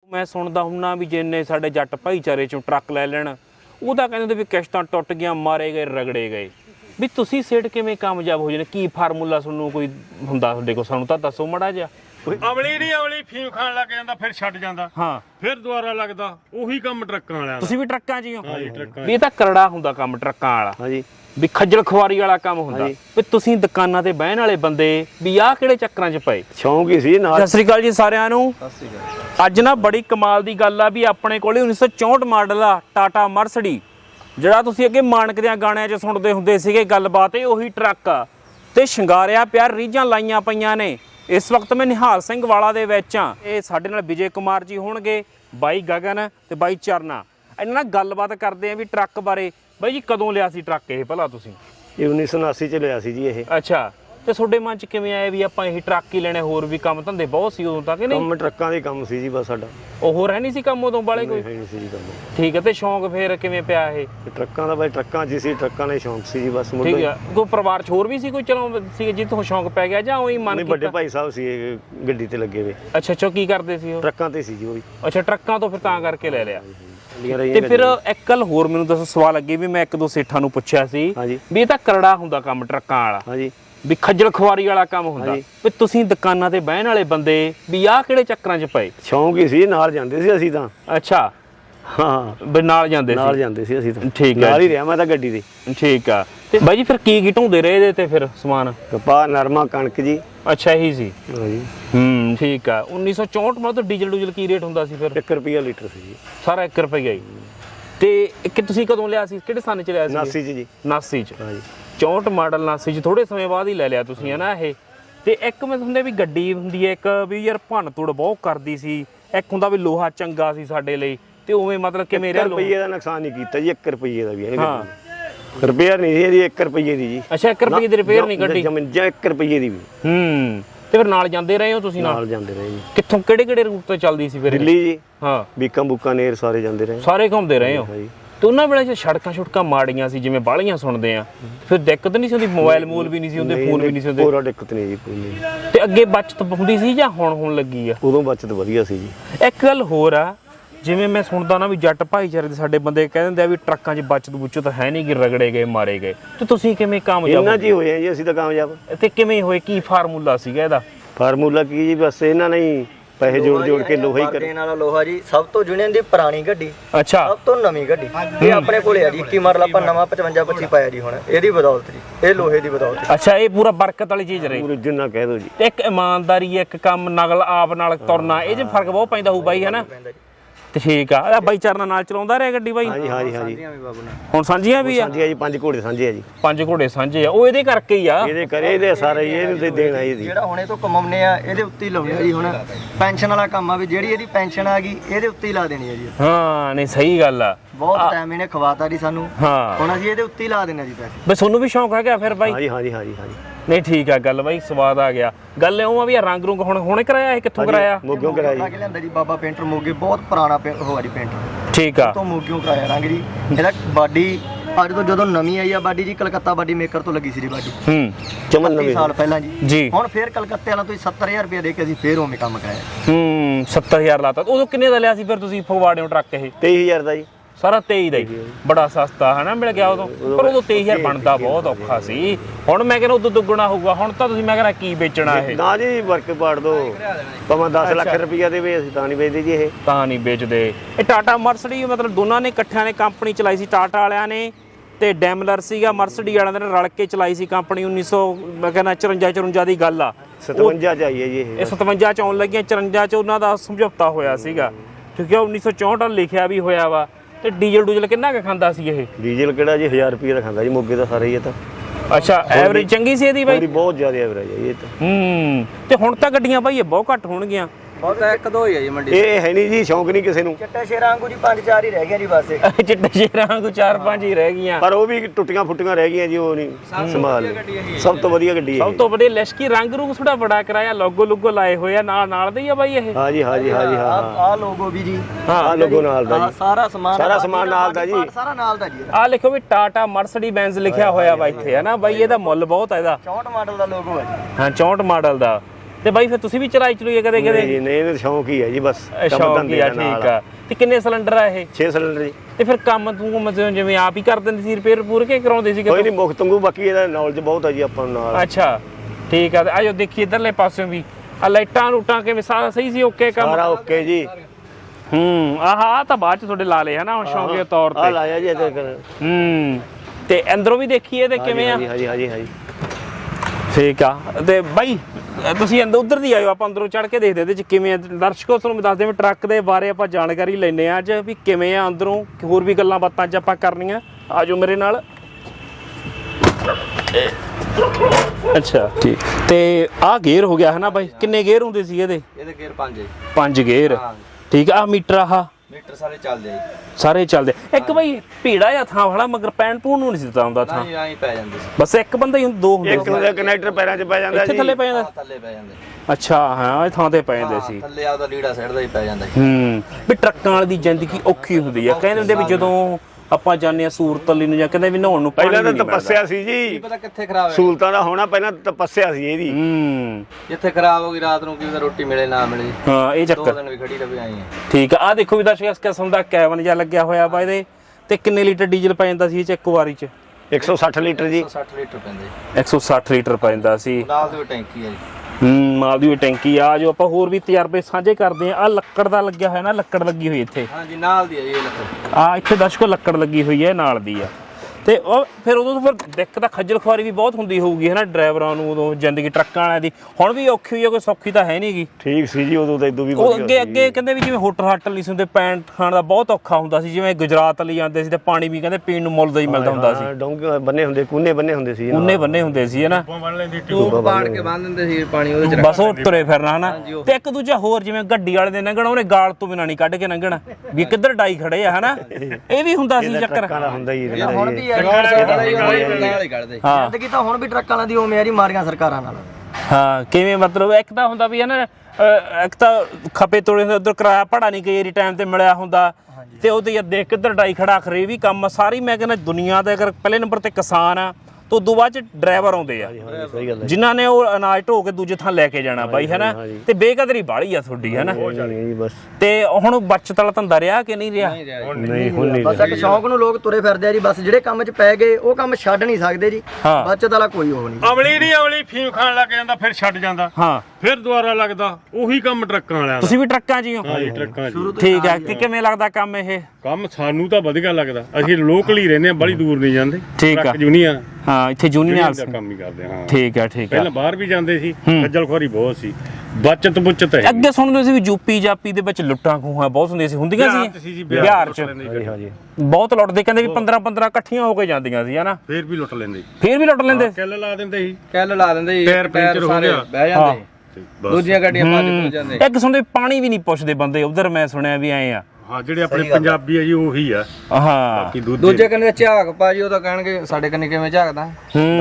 ਮੈਂ ਸੁਣਦਾ ਹੁੰਨਾ ਵੀ ਜਿੰਨੇ ਸਾਡੇ ਜੱਟ ਭਾਈਚਾਰੇ ਚੋਂ ਟਰੱਕ ਲੈ ਲੈਣ ਉਹ ਤਾਂ ਕਹਿੰਦੇ ਵੀ ਕਿਸ਼ਤਾਂ ਟੁੱਟ ਗਈਆਂ, ਮਾਰੇ ਗਏ, ਰਗੜੇ ਗਏ। ਵੀ ਤੁਸੀਂ ਸੇਠ ਕਿਵੇਂ ਕਾਮਯਾਬ ਹੋ ਜਾਣੇ? ਕੀ ਫਾਰਮੂਲਾ ਤੁਹਾਨੂੰ ਕੋਈ ਹੁੰਦਾ ਤੁਹਾਡੇ ਕੋਲ? ਸਾਨੂੰ ਤਾਂ ਦੱਸੋ ਮਾੜਾ ਜਿਹਾ। ਅਮਲੀ ਨਹੀਂ ਅਮਲੀ ਫੀਮ ਖਾਣ ਲੱਗ ਜਾਂਦਾ, ਫਿਰ ਛੱਡ ਜਾਂਦਾ, ਹਾਂ ਫਿਰ ਦੁਬਾਰਾ ਲੱਗਦਾ। ਉਹੀ ਕੰਮ ਟਰੱਕਾਂ ਵਾਲਿਆਂ ਦਾ। ਤੁਸੀਂ ਵੀ ਟਰੱਕਾਂ 'ਚ ਹੀ ਹੋ? ਹਾਂਜੀ, ਟਰੱਕਾਂ। ਵੀ ਇਹ ਤਾਂ ਕਰੜਾ ਹੁੰਦਾ ਕੰਮ ਟਰੱਕਾਂ ਵਾਲਾ। ਹਾਂਜੀ ਵੀ ਖੱਜਲ ਖੁਆਰੀ ਵਾਲਾ ਕੰਮ ਹੁੰਦਾ। ਵੀ ਤੁਸੀਂ ਦੁਕਾਨਾਂ ਤੇ ਬਹਿਣ ਵਾਲੇ ਬੰਦੇ ਵੀ ਆਹ ਕਿਹੜੇ ਚੱਕਰਾਂ 'ਚ ਪਏ? ਸ਼ੌਂਕ ਹੀ ਸੀ ਨਾਲ। ਸਤਿ ਸ੍ਰੀ ਅਕਾਲ ਜੀ ਸਾਰਿਆਂ ਨੂੰ। ਅੱਜ ਨਾ ਬੜੀ ਕਮਾਲ ਦੀ ਗੱਲ ਆ ਵੀ ਆਪਣੇ ਕੋਲੇ 1964 ਮਾਡਲ ਆ ਟਾਟਾ ਮਰਸਡੀ, ਜਿਹੜਾ ਤੁਸੀਂ ਅੱਗੇ ਮਾਨਕ ਦੇ ਗਾਣਿਆਂ 'ਚ ਸੁਣਦੇ ਹੁੰਦੇ ਸੀਗੇ ਗੱਲਬਾਤ। ਇਹ ਉਹੀ ਟਰੱਕ ਆ ਤੇ ਸ਼ਿੰਗਾਰਿਆ ਪਿਆ, ਰੀਝਾਂ ਲਾਈਆਂ ਪਈਆਂ ਨੇ। ਇਸ ਵਕਤ ਮੈਂ ਨਿਹਾਲ ਸਿੰਘ ਵਾਲਾ ਦੇ ਵਿੱਚ ਆ। ਇਹ ਸਾਡੇ ਨਾਲ ਵਿਜੇ ਕੁਮਾਰ ਜੀ ਹੋਣਗੇ, ਬਾਈ ਗਗਨ ਤੇ ਬਾਈ ਚਰਨਾ। ਇਹਨਾਂ ਨਾਲ ਗੱਲਬਾਤ ਕਰਦੇ ਆ ਵੀ ਟਰੱਕ ਬਾਰੇ। ਬਾਈ ਜੀ ਕਦੋਂ ਲਿਆ ਸੀ ਟਰੱਕ ਇਹ ਭਲਾ ਤੁਸੀਂ? ਇਹ 1979 ਚ ਲਿਆ ਸੀ ਜੀ ਇਹ। ਅੱਛਾ, ਤੇ ਤੁਹਾਡੇ ਮਨ 'ਚ ਕਿਵੇਂ ਆਇਆ ਵੀ ਆਪਾਂ ਇਹ ਟਰੱਕ ਹੀ ਲੈਣੇ? ਹੋਰ ਵੀ ਕੰਮ ਧੰਦੇ ਬਹੁਤ ਸੀ ਉਦੋਂ ਤੱਕ, ਨਹੀਂ? ਕੰਮ ਟਰੱਕਾਂ ਦੇ ਕੰਮ ਸੀ ਜੀ ਬਸ ਸਾਡਾ। ਉਹ ਰਹਿ ਨਹੀਂ ਸੀ ਕੰਮ ਉਦੋਂ ਵਾਲੇ ਕੋਈ? ਨਹੀਂ ਸੀ ਜੀ ਕੰਮ। ਠੀਕ ਹੈ, ਤੇ ਸ਼ੌਂਕ ਫੇਰ ਕਿਵੇਂ ਪਿਆ ਇਹ? ਟਰੱਕਾਂ ਦਾ ਬਾਈ ਟਰੱਕਾਂ 'ਚ ਸੀ, ਟਰੱਕਾਂ ਦਾ ਸ਼ੌਂਕ ਸੀ ਜੀ ਬਸ। ਠੀਕ ਹੈ, ਕੋਈ ਪਰਿਵਾਰ 'ਚ ਹੋਰ ਵੀ ਸੀ ਕੋਈ ਚਲਾਉਂ ਸੀ ਜਿੱਥੋਂ ਸ਼ੌਂਕ ਪੈ ਗਿਆ ਜਾਂ ਉਹੀ ਮਨ ਨਹੀਂ, ਵੱਡੇ ਭਾਈ ਸਾਹਿਬ ਸੀ ਇਹ ਗੱਡੀ ਤੇ ਲੱਗੇ ਵੇ। ਅੱਛਾ ਅੱਛਾ, ਕੀ ਕਰਦੇ ਸੀ ਉਹ? ਟਰੱਕਾਂ ਤੇ ਸੀ ਜੀ ਉਹ ਵੀ। ਅੱਛਾ, ਟਰੱਕਾਂ ਤੋਂ ਫਿਰ ਤਾਂ ਕਰਕੇ ਲੈ ਲਿਆ। ਰਹੀਆਂ ਤੇ ਫਿਰ ਇੱਕ ਗੱਲ ਹੋਰ ਮੈਨੂੰ ਦੱਸੋ, ਸਵਾਲ ਅੱਗੇ ਵੀ ਮੈਂ ਇੱਕ ਦੋ ਸੇਠਾਂ ਨੂੰ ਪੁੱਛਿਆ ਸੀ ਹਾਂਜੀ ਵੀ ਇਹ ਤਾਂ ਕਰੜਾ ਹੁੰਦਾ ਕੰਮ ਟਰੱਕਾਂ ਵਾਲਾ, ਹਾਂਜੀ ਵੀ ਖੱਜਲ ਖੁਆਰੀ ਵਾਲਾ ਕੰਮ ਹੁੰਦਾ। ਵੀ ਤੁਸੀਂ ਦੁਕਾਨਾਂ ਤੇ ਬਹਿਣ ਵਾਲੇ ਬੰਦੇ ਵੀ ਆਹ ਕਿਹੜੇ ਚੱਕਰਾਂ 'ਚ ਪਏ? ਸ਼ੌਂਕ ਹੀ ਸੀ, ਨਾਲ ਜਾਂਦੇ ਸੀ ਅਸੀਂ ਤਾਂ। ਅੱਛਾ, ਹਾਂ ਵੀ ਨਾਲ ਜਾਂਦੇ ਨਾਲ ਸੀ? ਜਾਂਦੇ ਸੀ ਅਸੀਂ ਤਾਂ। ਠੀਕ ਹੈ, ਨਾਲ ਹੀ ਰਿਹਾ ਮੈਂ ਤਾਂ ਗੱਡੀ ਤੇ। ਠੀਕ ਆ। ਤੇ ਬਾਈ ਜੀ ਫਿਰ ਕੀ ਕੀ ਢੋਂਦੇ ਰਹੇ ਇਹਦੇ ਤੇ ਫਿਰ ਸਮਾਨ? ਕਪਾਹ, ਨਰਮਾ, ਕਣਕ ਜੀ। ਅੱਛਾ, ਇਹੀ ਸੀ। ਹਾਂਜੀ ਠੀਕ ਆ। 1964 ਮਤਲਬ ਡੀਜ਼ਲ ਡੂਜ਼ਲ ਕੀ ਰੇਟ ਹੁੰਦਾ ਸੀ ਫਿਰ? 1 ਰੁਪਿਆ ਲੀਟਰ ਸੀ ਜੀ। ਸਾਰਾ 1 ਰੁਪਈਆ ਹੀ। ਤੇ ਕਿ ਤੁਸੀਂ ਕਦੋਂ ਲਿਆ ਸੀ? ਕਿਹੜੇ ਸਾਲ 'ਚ ਲਿਆ ਸੀ? 79 ਚ ਜੀ। 79 'ਚ। ਹਾਂਜੀ 64 ਮਾਡਲ 79 'ਚ ਥੋੜੇ ਸਮੇਂ ਬਾਅਦ ਹੀ ਲੈ ਲਿਆ ਤੁਸੀਂ, ਹੈ ਨਾ ਇਹ? ਤੇ ਇੱਕ ਮੈਂ ਹੁੰਦੇ ਵੀ ਗੱਡੀ ਹੁੰਦੀ ਹੈ ਇੱਕ ਵੀ ਯਾਰ ਭੰਨ ਤੋੜ ਬਹੁਤ ਕਰਦੀ ਸੀ, ਇੱਕ ਹੁੰਦਾ ਵੀ ਲੋਹਾ ਚੰਗਾ ਸੀ ਸਾਡੇ ਲਈ, ਤੇ ਉਵੇਂ ਮਤਲਬ ਕਿਵੇਂ ਰਿਹਾ? 1 ਰੁਪਈਏ ਦਾ ਨੁਕਸਾਨ ਨਹੀਂ ਕੀਤਾ ਜੀ, 1 ਰੁਪਈਏ ਦਾ ਵੀ ਇਹ ਹਾਂ। ਰਿਪੇਅਰ ਨਹੀਂ ਸੀ ਇਹਦੀ, 1 ਰੁਪਈਏ ਦੀ ਜੀ। ਅੱਛਾ, 1 ਰੁਪਈਏ ਦੀ ਰਿਪੇਅਰ ਨਹੀਂ ਗੱਡੀ? ਜਾਂ 1 ਰੁਪਈਏ ਦੀ ਵੀ। ਤੇ ਫਿਰ ਨਾਲ ਜਾਂਦੇ ਰਹੇ ਹੋ ਤੁਸੀਂ? ਨਾਲ ਜਾਂਦੇ ਰਹੇ ਜੀ। ਕਿੱਥੋਂ ਕਿਹੜੇ ਕਿਹੜੇ ਰੂਟ ਤੋਂ ਚੱਲਦੀ ਸੀ ਫਿਰ? ਦਿੱਲੀ ਜੀ, ਹਾਂ, ਬੀਕਾਨੇਰ ਸਾਰੇ ਜਾਂਦੇ ਰਹੇ। ਸਾਰੇ ਘੁੰਮਦੇ ਰਹੇ ਹੋ? ਹਾਂਜੀ। ਤੇ ਉਹਨਾਂ ਵੇਲੇ ਜੇ ਸੜਕਾਂ ਮਾੜੀਆਂ ਸੀ ਜਿਵੇਂ ਬਾਹਲੀਆਂ ਸੁਣਦੇ ਆ, ਫਿਰ ਦਿੱਕਤ ਨਹੀਂ ਸੀ ਹੁੰਦੀ? ਮੋਬਾਈਲ ਮੂਲ ਵੀ ਨਹੀਂ ਸੀ ਹੁੰਦੇ, ਫੋਨ ਵੀ ਨਹੀਂ ਸੀ ਹੁੰਦੇ? ਪੂਰਾ ਦਿੱਕਤ ਨਹੀਂ ਜੀ, ਕੋਈ ਨਹੀਂ। ਤੇ ਅੱਗੇ ਬਚਤ ਹੁੰਦੀ ਸੀ ਜਾਂ ਹੁਣ ਲੱਗੀ ਆ? ਉਦੋਂ ਬਚਤ ਵਧੀਆ ਸੀ ਜੀ। ਇੱਕ ਗੱਲ ਹੋਰ ਆ, ਜਿਵੇਂ ਮੈਂ ਸੁਣਦਾ ਨਾ ਵੀ ਜੱਟ ਭਾਈਚਾਰੇ ਦੇ ਸਾਡੇ ਬੰਦੇ ਕਹਿ ਦਿੰਦੇ ਆ ਵੀ ਟਰੱਕਾਂ 'ਚ ਬਚਤ ਹੈ ਨਹੀਂ, ਕਿ ਰਗੜੇ ਗਏ, ਮਾਰੇ ਗਏ। ਤੇ ਤੁਸੀਂ ਕਿਵੇਂ ਕਾਮਯਾਬ? ਇਹਨਾਂ 'ਚ ਹੀ ਹੋਏ ਆ ਜੀ ਅਸੀਂ ਤਾਂ ਕਾਮਯਾਬ। ਤੇ ਕਿਵੇਂ ਹੋਏ? ਕੀ ਫਾਰਮੂਲਾ ਸੀਗਾ ਇਹਦਾ? ਫਾਰਮੂਲਾ ਕੀ ਜੀ, ਬਸ ਇਹਨਾਂ ਨੇ ਹੀ ਪੈਸੇ ਜੋੜ ਕੇ ਲੋਹਾ ਹੀ ਕਰ ਦੇਣ ਵਾਲਾ ਲੋਹਾ ਜੀ। ਸਭ ਤੋਂ ਯੂਨੀਅਨ ਦੀ ਪੁਰਾਣੀ ਗੱਡੀ, ਅੱਛਾ, ਸਭ ਤੋਂ ਨਵੀਂ ਗੱਡੀ ਇਹ ਆਪਣੇ ਕੋਲੇ ਆ ਜੀ। 21 ਮਾਡਲ ਆਪਾਂ ਨਵਾਂ 55 25 ਪਾਇਆ ਜੀ ਹੁਣ, ਇਹਦੀ ਬਦੌਲਤ ਜੀ, ਇਹ ਲੋਹੇ ਦੀ ਬਦੌਲਤ। ਅੱਛਾ, ਇਹ ਪੂਰਾ ਬਰਕਤ ਵਾਲੀ ਚੀਜ਼ ਰਹੀ। ਪੂਰੇ ਜਿੰਨਾ ਕਹਿ ਦੋ ਜੀ। ਤੇ ਇੱਕ ਇਮਾਨਦਾਰੀ, ਇੱਕ ਕੰਮ ਨਗਲ ਆਪ ਨਾਲ ਤੁਰਨਾ, ਇਹ 'ਚ ਫਰਕ ਬਹੁਤ ਪੈਂਦਾ ਹੋਊ ਬਾਈ, ਹੈ ਨਾ? ਤੇ ਠੀਕ ਆ। ਇਹ ਬਾਈ ਚਰਨਾ ਨਾਲ ਚਲਾਉਂਦਾ ਰਿਹਾ ਗੱਡੀ ਬਾਈ? ਹਾਂਜੀ ਹਾਂਜੀ ਹਾਂਜੀ। ਹੁਣ ਸਾਂਝੀਆਂ ਵੀ ਆ? ਸਾਂਝੀ ਆ ਜੀ, 5 ਘੋੜੇ ਸਾਂਝੇ ਆ ਜੀ। 5 ਘੋੜੇ ਸਾਂਝੇ ਆ, ਉਹ ਇਹਦੇ ਕਰਕੇ ਹੀ ਆ। ਇਹਦੇ ਕਰੇ ਇਹਦੇ ਸਾਰੇ ਇਹਨੂੰ ਤੇ ਦੇਣਾ ਇਹਦੀ। ਜਿਹੜਾ ਹੁਣੇ ਤੋਂ ਕਮਾਉਨੇ ਆ ਇਹਦੇ ਉੱਤੇ ਹੀ ਲਾਉਣੇ ਆ ਜੀ। ਹੁਣ ਪੈਨਸ਼ਨ ਵਾਲਾ ਕੰਮ ਆ ਵੀ ਜਿਹੜੀ ਇਹਦੀ ਪੈਨਸ਼ਨ ਆ ਗਈ ਇਹਦੇ ਉੱਤੇ ਹੀ ਲਾ ਦੇਣੀ ਆ ਜੀ। ਹਾਂ, ਨਹੀਂ ਸਹੀ ਗੱਲ ਆ। ਬਹੁਤ ਟਾਈਮ ਇਹਨੇ ਖਵਾਤਾ ਜੀ ਸਾਨੂੰ। ਹਾਂ, ਹੁਣ ਅਸੀਂ ਇਹਦੇ ਉੱਤੇ ਹੀ ਲਾ ਦੇਣਾ ਜੀ ਪੈਸੇ। ਬਸ ਤੁਹਾਨੂੰ ਵੀ ਸ਼ੌਂਕ ਹੈਗਾ ਫਿਰ ਬਾਈ? ਹਾਂਜੀ ਹਾਂਜੀ ਹਾਂਜੀ ਹਾਂਜੀ। ਨਹੀਂ ਠੀਕ ਆ ਗੱਲ ਬਾਈ, ਸਵਾਦ ਆ ਗਿਆ। ਗੱਲ ਇਉਂ ਆ ਵੀ ਰੰਗ ਰੁੰਗ ਹੁਣੇ ਕਰਾਇਆ? ਇਹ ਕਿੱਥੋਂ ਕਰਾਇਆ? ਮੋਗਿਓਂ ਕਰਾਇਆ ਲਾ ਜੀ। ਕੇ ਲਿਆਂਦਾ ਜੀ ਬਾਬਾ ਪੇਂਟਰ ਮੋਗੇ, ਬਹੁਤ ਪੁਰਾਣਾ ਹੋਆ ਜੀ ਪੇਂਟਰ। ਠੀਕ ਆ। ਤੋਂ ਮੋਗਿਓਂ ਕਰਾਇਆ ਰੰਗ ਜੀ। ਇਹਦਾ ਬਾਡੀ ਅੱਜ ਤੋਂ ਜਦੋਂ ਨਵੀਂ ਆਈ ਆ ਬਾਡੀ ਜੀ, ਕਲਕੱਤਾ ਬਾਡੀ ਮੇਕਰ ਤੋਂ ਲੱਗੀ ਸੀ ਜੀ ਬਾਡੀ। ਚਮਨ 30 ਨਵੇਂ ਸਾਲ ਪਹਿਲਾਂ ਜੀ। ਜੀ। ਹੁਣ ਫੇਰ ਕਲਕੱਤੇ ਵਾਲਾ ਤੁਸੀਂ 70000 ਰੁਪਏ ਦੇ ਕੇ ਅਸੀਂ ਫੇਰ ਉਵੇਂ ਕੰਮ ਕਰਾਇਆ। 70000 ਲਾਤਾ। ਉਦੋਂ ਕਿੰਨੇ ਦਾ ਲਿਆ ਸੀ ਫਿਰ ਤੁਸੀਂ ਫਗਵਾੜਿਓਂ ਟਰੱਕ ਇਹ? 23000 ਦਾ ਜੀ। ਸਾਰਾ 23 ਦਾ ਹੀ? ਬੜਾ ਸਸਤਾ ਹੈ ਨਾ ਮਿਲ ਗਿਆ ਉਦੋਂ। ਪਰ ਉਦੋਂ 23000 ਬਣਦਾ ਬਹੁਤ ਔਖਾ ਸੀ। ਹੁਣ ਮੈਂ ਕਹਿੰਦਾ ਉਦੋਂ ਦੁੱਗਣਾ ਹੋਊਗਾ। ਹੁਣ ਤਾਂ ਤੁਸੀਂ ਮੈਂ ਕਹਿੰਦਾ ਕੀ ਵੇਚਣਾ ਇਹ? ਨਾ ਜੀ, ਵਰਕ ਪਾੜ ਦੋ ਭਾਵੇਂ 10 ਲੱਖ ਰੁਪਈਆ ਦੇਵੇ, ਅਸੀਂ ਤਾਂ ਨਹੀਂ ਵੇਚਦੇ ਜੀ। ਇਹ ਤਾਂ ਨਹੀਂ ਵੇਚਦੇ। ਇਹ ਟਾਟਾ ਮਰਸਡੀ ਮਤਲਬ ਦੋਨਾਂ ਨੇ ਇਕੱਠਿਆਂ ਨੇ ਕੰਪਨੀ ਚਲਾਈ ਸੀ, ਟਾਟਾ ਵਾਲਿਆਂ ਨੇ ਤੇ ਡੈਮਲਰ ਸੀਗਾ ਮਰਸਡੀ ਵਾਲਿਆਂ ਨੇ ਰਲ ਕੇ ਚਲਾਈ ਸੀ ਕੰਪਨੀ। 1900 ਮੈਂ ਕਹਿੰਦਾ 54 ਦੀ ਗੱਲ ਆ। 57 ਚ ਆਈ ਹੈ ਜੀ ਇਹ 57 ਚ ਆਉਣ ਲੱਗੀਆਂ। 54 ਚ ਉਹਨਾਂ ਦਾ ਸਮਝੌਤਾ ਹੋਇਆ ਸੀਗਾ, ਕਿਉਂਕਿ 1964 ਲਿਖਿਆ ਵੀ ਹੋਇਆ ਵਾ। ਤੇ ਡੀਜ਼ਲ ਡੂਜ਼ਲ ਕਿੰਨਾ ਕੁ ਖਾਂਦਾ ਸੀ ਇਹ? ਡੀਜ਼ਲ ਕਿਹੜਾ ਜੀ, 1000 ਰੁਪਏ ਦਾ ਖਾਂਦਾ ਜੀ ਮੋਗੇ ਦਾ ਸਾਰਾ ਹੀ। ਇਹ ਤਾਂ ਅੱਛਾ, ਐਵਰੇਜ ਚੰਗੀ ਸੀ ਇਹਦੀ ਬਾਈ? ਬਹੁਤ ਜ਼ਿਆਦਾ ਐਵਰੇਜ ਹੈ ਇਹ ਤਾਂ। ਤੇ ਹੁਣ ਤਾਂ ਗੱਡੀਆਂ ਬਾਈ ਇਹ ਬਹੁਤ ਘੱਟ ਹੋਣਗੀਆਂ। ਬਹੁਤ 1-2 ਹੀ ਆ ਜੀ ਮੰਡੀ। ਇਹ ਹੈ ਨਹੀਂ ਜੀ, ਸ਼ੌਂਕ ਨਹੀਂ ਕਿਸੇ ਨੂੰ। ਚਿੱਟੇ ਸ਼ੇਰਾਂ ਵਾਂਗੂ ਜੀ 5-4 ਹੀ ਰਹਿ ਗਿਆ ਜੀ ਬਸ। ਚਿੱਟੇ ਸ਼ੇਰਾਂ ਵਾਂਗੂ 4-5 ਹੀ ਰਹਿ ਗਈਆਂ। ਪਰ ਉਹ ਵੀ ਟੁੱਟੀਆਂ ਫੁੱਟੀਆਂ ਰਹਿ ਗਈਆਂ ਜੀ, ਉਹ ਨਹੀਂ ਸੰਭਾਲ। ਸਭ ਤੋਂ ਵਧੀਆ ਗੱਡੀ ਹੈ। ਸਭ ਤੋਂ ਵਧੀਆ ਲਿਸ਼ਕੀ ਰੰਗ ਰੂੰਗ ਥੋੜਾ ਬੜਾ ਕਰਾਇਆ, ਲੋਗੋ ਲੁਗੋ ਲਾਏ ਹੋਏ ਆ ਨਾਲ ਦੇ ਹੀ ਆ ਬਾਈ ਇਹ? ਹਾਂਜੀ ਹਾਂਜੀ ਹਾਂਜੀ ਹਾਂ। ਆਹ ਲੋਗੋ ਵੀ ਜੀ, ਆਹ ਲੋਗੋ ਨਾਲ ਦਾ ਜੀ। ਸਾਰਾ ਸਮਾਨ ਨਾਲ ਦਾ ਜੀ। ਸਾਰਾ ਨਾਲ ਦਾ ਜੀ। ਆਹ ਲਿਖੋ ਵੀ ਟਾਟਾ ਮਰਸਡੀ ਬੈਂਜ਼ ਲਿਖਿਆ ਹੋਇਆ ਵਾ ਇੱਥੇ, ਹੈ ਨਾ ਬਾਈ? ਇਹਦਾ ਮੁੱਲ ਬਹੁਤ ਆ ਇਹਦਾ। 64 ਮਾਡਲ ਦਾ ਲੋਗੋ ਹੈ ਜੀ। ਹਾਂ, 64 ਮਾਡਲ ਦਾ। ਤੇ ਬਾਈ ਫਿਰ ਤੁਸੀਂ ਵੀ ਚਲਾਈ ਚਲੂਏ ਕਦੇ ਕਦੇ? ਨਹੀਂ ਨਹੀਂ, ਇਹ ਸ਼ੌਂਕ ਹੀ ਹੈ ਜੀ ਬਸ। ਸ਼ੌਕ ਹੀ ਆ, ਠੀਕ ਆ। ਤੇ ਕਿੰਨੇ ਸਿਲੰਡਰ ਆ ਇਹ? 6 ਸਿਲੰਡਰ ਜੀ। ਤੇ ਫਿਰ ਕੰਮ ਤੂੰ ਮਤਲਬ ਜਿਵੇਂ ਆਪ ਹੀ ਕਰ ਦਿੰਦੇ ਸੀ, ਰਿਪੇਅਰ ਪੂਰ ਕੇ ਕਰਾਉਂਦੇ ਸੀ? ਕੋਈ ਨਹੀਂ, ਮੁਖਤ ਵਾਂਗੂ। ਬਾਕੀ ਇਹਦਾ ਨੌਲੇਜ ਬਹੁਤ ਹੈ ਜੀ ਆਪਾਂ ਨੂੰ ਨਾਲ। ਅੱਛਾ ਠੀਕ ਆ। ਆਜੋ ਦੇਖੀਏ ਇਧਰਲੇ ਪਾਸਿਓਂ ਵੀ ਆ ਲਾਈਟਾਂ ਲੂਟਾਂ ਕਿਵੇਂ ਸਾਰਾ ਸਹੀ ਸੀ? ਓਕੇ ਕੰਮ ਸਾਰਾ ਓਕੇ ਜੀ। ਆਹ ਤਾਂ ਬਾਅਦ ਚ ਤੁਹਾਡੇ ਲਾ ਲਏ ਹਨਾ, ਹੁਣ ਸ਼ੌਂਕੀ ਤੌਰ ਆ ਤੇ। ਲਾਇਆ ਜੀ ਇੱਧਰ। ਤੇ ਅੰਦਰੋਂ ਵੀ ਦੇਖੀਏ ਤੇ ਕਿਵੇਂ ਆ? ਹਾਂਜੀ ਹਾਂਜੀ ਹਾਂਜੀ। ਠੀਕ ਆ। ਤੇ ਬਾਈ ਤੁਸੀਂ ਅੰਦਰ ਉਧਰ ਦੀ ਆਇਓ, ਆਪਾਂ ਅੰਦਰੋਂ ਚੜ ਕੇ ਦੇਖਦੇ ਇਹਦੇ ਚ ਕਿਵੇਂ ਆ। ਦਰਸ਼ਕੋ ਤੁਹਾਨੂੰ ਦੱਸਦੇ ਵੀ ਟਰੱਕ ਦੇ ਬਾਰੇ ਆਪਾਂ ਜਾਣਕਾਰੀ ਲੈਣੇ ਆ ਅੱਜ ਵੀ ਕਿਵੇਂ ਆ ਅੰਦਰੋਂ, ਹੋਰ ਵੀ ਗੱਲਾਂ ਬਾਤਾਂ ਅੱਜ ਆਪਾਂ ਕਰਨੀਆਂ। ਆਜੋ ਮੇਰੇ ਨਾਲ। ਅੱਛਾ ਠੀਕ। ਤੇ ਆਹ ਗੇਅਰ ਹੋ ਗਿਆ ਹੈ ਨਾ ਬਾਈ? ਕਿੰਨੇ ਗੇਅਰ ਹੁੰਦੇ ਸੀ ਇਹਦੇ? ਇਹਦੇ ਗੇਅਰ 5 5 ਗੇਅਰ। ਠੀਕ ਆ। ਮੀਟਰ ਆਹ ਮੀਟਰ ਸਾਰੇ ਚੱਲਦੇ ਆ ਸਾਰੇ ਚੱਲਦੇ। ਇੱਕ ਬਾਈ ਭੀੜਾ ਜਾਂ ਥਾਂ ਵਾਲਾ, ਮਗਰ ਪੈਣ ਪੂਣ ਨੂੰ ਨਹੀਂ ਦਿੱਤਾ ਹੁੰਦਾ ਥਾਂ। ਜੀ, ਆਈ ਪੈ ਜਾਂਦੇ ਸੀ। ਬਸ ਇੱਕ ਬੰਦਾ ਹੀ ਦੋ ਹੁੰਦੇ ਇੱਕ ਉਹਦਾ ਕਨੈਕਟਰ ਪੈਰਾਂ 'ਚ ਪੈ ਜਾਂਦਾ ਇੱਥੇ ਜੀ। ਥੱਲੇ ਪੈ ਜਾਂਦਾ? ਥੱਲੇ ਪੈ ਜਾਂਦੇ। ਅੱਛਾ ਹਾਂ, ਇਹ ਥਾਂ ਤੇ ਪੈ ਜਾਂਦੇ ਸੀ। ਥੱਲੇ ਆਪਦਾ ਲੀੜਾ ਸੈੱਟਦਾ ਹੀ ਪੈ ਜਾਂਦਾ ਸੀ। ਵੀ ਟਰੱਕਾਂ ਵਾਲੀ ਦੀ ਜ਼ਿੰਦਗੀ ਔਖੀ ਹੁੰਦੀ ਆ। ਕਹਿੰਦੇ ਹੁੰਦੇ ਵੀ ਜਦੋਂ ਆਪਾਂ ਜਾਂਦੇ ਆ ਸੂਰਤ ਅਲੀ ਨੂੰ, ਜਾਂ ਕਹਿੰਦੇ ਵੀ ਨਹਾਉਣ ਨੂੰ ਪਹਿਲਾਂ ਤਾਂ ਨਹੀਂ ਮਿਲਦਾ। ਤਪੱਸਿਆ ਸੀ ਜੀ। ਪਤਾ ਕਿੱਥੇ ਖਰਾਬ ਹੈ? ਸਹੂਲਤਾਂ ਦਾ ਹੋਣਾ ਪਹਿਲਾਂ ਤਪੱਸਿਆ ਸੀ ਇਹਦੀ। ਜਿੱਥੇ ਖਰਾਬ ਹੋ ਗਈ ਰਾਤ ਨੂੰ ਕੀ ਰੋਟੀ ਮਿਲੇ ਨਾ ਮਿਲੇ ਜੀ। ਹਾਂ ਇਹ 2 ਚੱਕਰ। ਦਿਨ ਵੀ ਖੜੀ ਰਵੇ ਆਈ ਹੈ। ਠੀਕ ਆ। ਆ ਦੇਖੋ ਵੀ ਦਰਸ਼ਕ ਇਸ ਕਿਸਮ ਦਾ ਕੈਬਨ ਜਿਹਾ ਲੱਗਿਆ ਹੋਇਆ ਵਾ ਇਹਦੇ ਤੇ। ਕਿੰਨੇ ਲੀਟਰ ਡੀਜ਼ਲ ਪੈ ਜਾਂਦਾ ਸੀ ਇਹ ਚ ਇੱਕ ਵਾਰੀ ਚ? 160 ਲੀਟਰ ਜੀ। 160 ਲੀਟਰ ਪੈਂਦੇ ਜੀ। 160 ਲੀਟਰ ਪੈ ਜਾਂਦਾ ਸੀ। ਨਾਲ ਦੀ ਟੈਂਕੀ ਹੈ ਜੀ। ਨਾਲ ਦੀ ਟੈਂਕੀ ਆ। ਜੋ ਆਪਾਂ ਹੋਰ ਵੀ ਤਜਰਬੇ ਸਾਂਝੇ ਕਰਦੇ ਆ। ਆ ਲੱਕੜ ਦਾ ਲੱਗਿਆ ਹੋਇਆ ਨਾ, ਲੱਕੜ ਲੱਗੀ ਹੋਈ ਇੱਥੇ। ਹਾਂਜੀ ਨਾਲ ਦੀ ਹੈ ਜੀ ਇਹ ਲੱਕੜ। ਆ ਇੱਥੇ ਦਰਸ਼ਕੋ ਲੱਕੜ ਲੱਗੀ ਹੋਈ ਹੈ, ਨਾਲ ਦੀ ਆ। ਤੇ ਉਹ ਫਿਰ ਉਦੋਂ ਤੋਂ ਫਿਰ ਦਿੱਕਤ ਤਾਂ ਖੱਜਲ ਖੁਆਰੀ ਵੀ ਬਹੁਤ ਹੁੰਦੀ ਹੋਊਗੀ ਹੈ ਨਾ ਡਰਾਈਵਰਾਂ ਨੂੰ ਉਦੋਂ, ਜ਼ਿੰਦਗੀ ਟਰੱਕਾਂ ਵਾਲਿਆਂ ਦੀ। ਹੁਣ ਵੀ ਔਖੀ ਹੋਈ ਹੈ, ਕੋਈ ਸੌਖੀ ਤਾਂ ਹੈ ਨਹੀਂਗੀ। ਠੀਕ ਸੀ ਜੀ ਉਦੋਂ ਤਾਂ ਇਦੋਂ ਵੀ ਉਹ ਅੱਗੇ ਕਹਿੰਦੇ ਵੀ ਜਿਵੇਂ ਹੋਟਲ ਹਾਟਲ ਨਹੀਂ ਸੀ ਹੁੰਦੇ, ਪੈਣ ਖਾਣ ਦਾ ਬਹੁਤ ਔਖਾ ਹੁੰਦਾ ਸੀ। ਜਿਵੇਂ ਗੁਜਰਾਤ ਲਈ ਜਾਂਦੇ ਸੀ ਤੇ ਪਾਣੀ ਵੀ ਕਹਿੰਦੇ ਪੀਣ ਨੂੰ ਮੁੱਲ ਦਾ ਹੀ ਮਿਲਦਾ ਹੁੰਦਾ ਸੀ। ਡੋਂਗੇ ਬੰਨੇ ਹੁੰਦੇ, ਕੂਨੇ ਬੰਨੇ ਹੁੰਦੇ ਸੀ। ਉਹਨੇ ਬੰਨੇ ਹੁੰਦੇ ਸੀ ਹੈ ਨਾ, ਬਣ ਲੈਂਦੀ ਟੂਬ ਪਾੜ ਕੇ ਬੰਨ ਦਿੰਦੇ ਸੀ ਪਾਣੀ ਉਹਦੇ ਚ। ਬਸ ਉਹ ਤੁਰੇ ਫਿਰਨਾ ਹਨਾ। ਤੇ ਇੱਕ ਦੂਜਾ ਹੋਰ ਜਿਵੇਂ ਗੱਡੀ ਵਾਲੇ ਦੇ ਲੰਘਣਾ, ਉਹਨੇ ਗਾਲ ਤੋਂ ਬਿਨਾਂ ਨਹੀਂ ਕੱਢ ਕੇ ਲੰਘਣਾ ਵੀ ਕਿੱਧਰ ਡਾਈ ਖੜੇ ਆ ਹਨਾ। ਇਹ ਵੀ ਹੁੰਦਾ ਸੀ ਚੱਕਰ। ਟਰੱਕਾਂ ਦਾ ਹੁੰਦਾ ਹੀ ਹੁਣ ਵੀ ਯਾਰ ਨਾਲ ਹੀ ਕੱਢਦੇ। ਜ਼ਿੰਦਗੀ ਤਾਂ ਹੁਣ ਵੀ ਟਰੱਕਾਂ ਵਾਲਿਆਂ ਦੀ ਉਵੇਂ ਆ ਜੀ, ਮਾਰੀਆਂ ਸਰਕਾਰਾਂ ਨਾਲ। ਹਾਂ ਕਿਵੇਂ ਮਤਲਬ? ਇੱਕ ਤਾਂ ਹੁੰਦਾ ਵੀ ਹੈ ਨਾ, ਇੱਕ ਤਾਂ ਖੱਪੇ ਤੋੜੇ ਹੁੰਦੇ, ਉਧਰ ਕਿਰਾਇਆ ਭਾੜਾ ਨਹੀਂ ਕਈ ਵਾਰੀ ਟਾਈਮ ਤੇ ਮਿਲਿਆ ਹੁੰਦਾ, ਤੇ ਉਹਦੇ ਯਾਰ ਦੇਖ ਕਿੱਧਰ ਡਾਈ ਖੜਾ ਖਰੇ ਵੀ ਕੰਮ ਸਾਰੀ। ਮੈਂ ਕਹਿੰਦਾ ਦੁਨੀਆ ਦਾ ਅਗਰ ਪਹਿਲੇ ਨੰਬਰ ਤੇ ਕਿਸਾਨ ਆ, ਤੋਂ ਉਦੋਂ ਬਾਅਦ ਚ ਡਰਾਈਵਰ ਆਉਂਦੇ ਆ ਸਹੀ ਗੱਲ ਹੈ। ਜਿਨ੍ਹਾਂ ਨੇ ਉਹ ਅਨਾਜ ਢੋ ਕੇ ਦੂਜੇ ਥਾਂ ਲੈ ਕੇ ਜਾਣਾ ਬਾਈ ਹੈ ਨਾ। ਤੇ ਬੇਕਦਰੀ ਬਾਹਲੀ ਆ ਤੁਹਾਡੀ ਹੈ ਨਾ। ਬਸ ਤੇ ਹੁਣ ਬੱਚਤ ਵਾਲਾ ਧੰਦਾ ਰਿਹਾ ਕਿ ਨਹੀਂ ਰਿਹਾ? ਨਹੀਂ ਹੁਣ ਨਹੀਂ। ਬਸ ਇੱਕ ਸ਼ੌਂਕ ਨੂੰ ਲੋਕ ਤੁਰੇ ਫਿਰਦੇ ਆ ਜੀ। ਬਸ ਜਿਹੜੇ ਕੰਮ 'ਚ ਪੈ ਗਏ ਉਹ ਕੰਮ ਛੱਡ ਨਹੀਂ ਸਕਦੇ ਜੀ। ਬੱਚਤ ਵਾਲਾ ਕੋਈ ਉਹ ਨਹੀਂ। ਅਮਲੀ ਨਹੀਂ, ਅਮਲੀ ਫੀਮ ਖਾਣ ਲੱਗ ਜਾਂਦਾ ਫਿਰ ਛੱਡ ਜਾਂਦਾ, ਹਾਂ ਫਿਰ ਦੁਬਾਰਾ ਲੱਗਦਾ ਉਹੀ ਕੰਮ ਟਰੱਕਾਂ ਵਾਲਿਆਂ ਦਾ। ਤੁਸੀਂ ਵੀ ਟਰੱਕਾਂ 'ਚ ਹੀ ਹੋ? ਹਾਂਜੀ ਟਰੱਕਾਂ 'ਚ। ਠੀਕ ਹੈ। ਕਿ ਕਿਵੇਂ ਲੱਗਦਾ ਕੰਮ ਇਹ? ਕੰਮ ਸਾਨੂੰ ਤਾਂ ਵਧੀਆ ਲੱਗਦਾ, ਅਸੀਂ ਲੋਕਲ ਹੀ ਰਹਿੰਦੇ ਆ, ਬੜੀ ਦੂਰ ਨਹੀਂ ਜਾਂਦੇ। ਠੀਕ ਆ। ਟਰੱਕ ਜੁਨੀਆ ਹਾਂ ਇੱਥੇ ਜੂਨੀਅਰ ਦਾ ਕੰਮ ਹੀ ਕਰਦੇ ਹਾਂ। ਠੀਕ ਹੈ ਠੀਕ ਹੈ। ਪਹਿਲਾਂ ਬਾਹਰ ਵੀ ਜਾਂਦੇ ਸੀ, ਖੱਜਲ ਖੁਆਰੀ ਬਹੁਤ ਸੀ, ਬਚਤ ਬੁਚਤ ਹੈ। ਅੱਗੇ ਸੁਣਦੇ ਸੀ ਵੀ ਯੂਪੀ ਜਾਪੀ ਦੇ ਵਿੱਚ ਲੁੱਟਾਂ ਖੋਹਾਂ ਬਹੁਤ ਹੁੰਦੀਆਂ ਸੀ, ਹੁੰਦੀਆਂ ਸੀ ਬਿਹਾਰ 'ਚ ਹਾਂਜੀ ਬਹੁਤ ਲੁੱਟਦੇ। ਕਹਿੰਦੇ ਵੀ 15 ਇਕੱਠੀਆਂ ਹੋ ਕੇ ਜਾਂਦੀਆਂ ਸੀ ਹਨਾ। ਫੇਰ ਵੀ ਲੁੱਟ ਲੈਂਦੇ, ਫੇਰ ਵੀ ਲੁੱਟ ਲੈਂਦੇ। ਕਿੱਲ ਲਾ ਦਿੰਦੇ ਸੀ, ਕਿੱਲ ਲਾ ਦਿੰਦੇ ਜੀ। ਟਾਇਰ ਪੈਂਚਰ ਹੋ ਗਿਆ, ਬਹਿ ਜਾਂਦੇ। ਬਸ। ਦੂਜੀਆਂ ਗੱਡੀਆਂ ਭੱਜ ਭੁੱਜ ਜਾਂਦੇ। ਇੱਕ ਸੁਣਦੇ ਪਾਣੀ ਵੀ ਨਹੀਂ ਪੁੱਛਦੇ ਬੰਦੇ ਉਧਰ, ਮੈਂ ਸੁਣਿਆ ਵੀ ਐ ਆ। ਹਾਂ ਜਿਹੜੇ ਆਪਣੇ ਪੰਜਾਬੀ ਆ ਜੀ ਉਹੀ ਆ। ਹਾਂ ਕਿ ਦੂਜੇ ਕੰਨੇ ਝਾਕ ਭਾਜੀ, ਉਹ ਤਾਂ ਕਹਿਣਗੇ ਸਾਡੇ ਕੰਨੇ ਕਿਵੇਂ ਝਾਕਦਾ।